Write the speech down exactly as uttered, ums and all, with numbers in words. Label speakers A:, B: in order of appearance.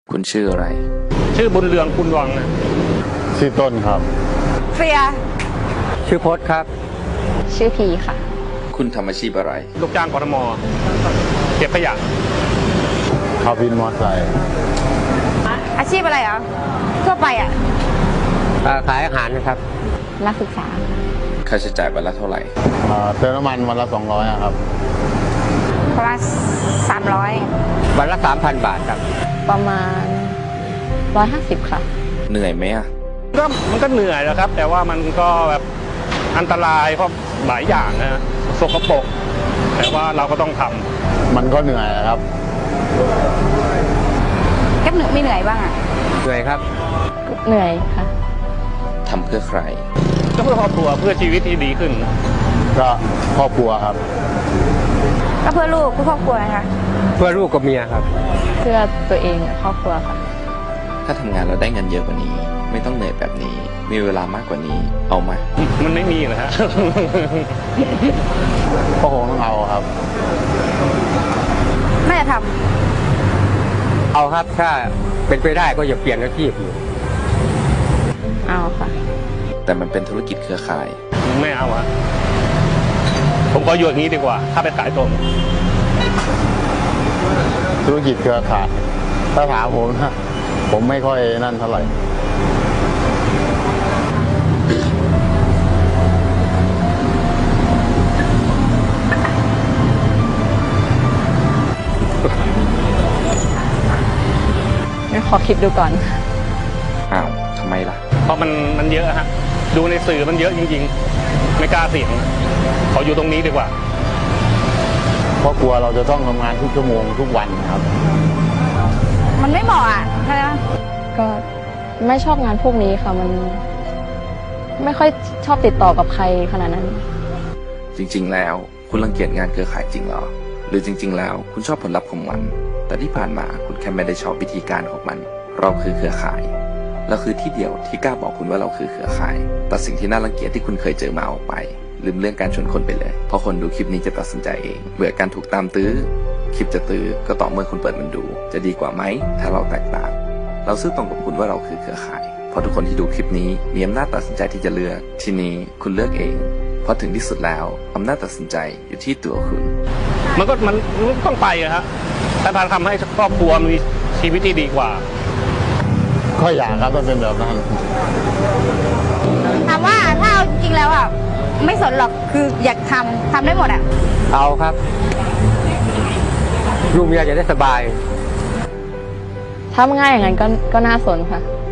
A: คุณชื่ออะไร
B: ชื่อบุญเรืองคุณวังนะ
C: ชื่อต้นครับ
D: เฟีย
E: ชื่อพจน์ครับ
D: ชื่อพีค่ะ
A: คุณทำอาชีพอะไร
B: ลูกจ้างกทมเก็บขยะ
C: ขับวินมอเตอร์ไซค์
D: อาชีพอะไรอ่ะทั่วไปอ่ะ
E: ขายอาหารนะครับ
D: นักศึกษา
A: ค่าใช้จ่ายวันละเท่าไหร่
C: เติมน้ำมันวันละสองร้อยครับ
D: ประมาณสามร้อย
E: วันละสามพันบาทครับ
D: ประมาณร้อยห้าสิบค่ะ
A: เหนื่อยไหมอ่ะ
B: ก็มันก็เหนื่อยนะครับ แต่ว่ามันก็แบบอันตรายเพราะหลายอย่างนะสกปรกแต่ว่าเราก็ต้องทำ
C: มันก็เหนื่อยครับ
D: แก๊ปเหนื่อยไม่เหนื่อยบ้างอ่ะ
E: เหนื่อยครับ
D: เหนื่อยค่ะ
A: ทำเพื่อใคร
B: ก็เพื่อครอบครัวเพื่อชีวิตที่ดีขึ้น
C: ก็ครอบครัวครับ
D: ก็เพื่อลูกเพื่อครอบครัวนะคะ
E: เพื่อลูกกับเมียครับ
D: เพื่อตัวเองครอบครัวค่ะ
A: ถ้าทำงานเราได้เงินเยอะกว่านี้ไม่ต้องเหนื่อยแบบนี้มีเวลามากกว่านี้เอาไหม
B: มันไม่มีเหรอฮะ
C: ก็คงต้องเอาครับ
D: ไม่จะท
E: ำเอาครับถ้าเป็นไปได้ก็อย่าเปลี่ยนอาชีพอยู่
D: เอาค่ะ
A: แต่มันเป็นธุรกิจเครือข่าย
B: ไม่เอาอะผมก็อยู่อย่างนี้ดีกว่าถ้าไปขายตรง
C: ธุรกิจเครือข่ายถ้าถามผมนะผมไม่ค่อยนั่นเท่าไหร่
D: ขอคิดดูก่อน
A: อ้าวทำไมล่ะ
B: เพราะมันมันเยอะฮะดูในสื่อมันเยอะจริงๆไม่กล้าเสี่ยงขออยู่ตรงนี้ดีกว่า
C: เพราะกลัวเราจะต้องทำงานทุกชั่วโมงทุกวันครับ
D: มันไม่เหมาะอ่ะใช่ไหมก็ไม่ชอบงานพวกนี้ค่ะมันไม่ค่อยชอบติดต่อกับใครขนาดนั้น
A: จริงๆแล้วคุณรังเกียจงานเครือข่ายจริงเหรอหรือจริงๆแล้วคุณชอบผลลัพธ์ของมันแต่ที่ผ่านมาคุณแค่ไม่ได้ชอบวิธีการของมันเราคือเครือข่ายเราคือที่เดียวที่กล้าบอกคุณว่าเราคือเครือข่ายตัดสิ่งที่น่ารังเกียจที่คุณเคยเจอมาออกไปลืมเรื่องการชวนคนไปเลยเพราะคนดูคลิปนี้จะตัดสินใจเองเบื่อการถูกตามตื้อคลิปจะตื้อก็ต่อเมื่อคุณเปิดมันดูจะดีกว่าไหมถ้าเราแตกต่างเราซื่อตรงกับคุณว่าเราคือเครือข่ายเพราะทุกคนที่ดูคลิปนี้มีอำนาจตัดสินใจที่จะเลือกทีนี้คุณเลือกเองเพราะถึงที่สุดแล้วอำนาจตัดสินใจอยู่ที่ตัวคุณ
B: มันก็มันต้องไปอะฮะถ้าทำให้ครอบครัวมีชีวิตที่ดีกว่า
C: ก็อยากครับต้องเป็นแบบนั้น
D: ถามว่าถ้าเอาจริงแล้วอ่ะไม่สนหรอกคืออยากทำทำได้หมดอ่ะ
E: เอาครับลูกเมียจะได้สบาย
D: ถ้าง่ายอย่างนั้นก็ก็น่าสนค่ะ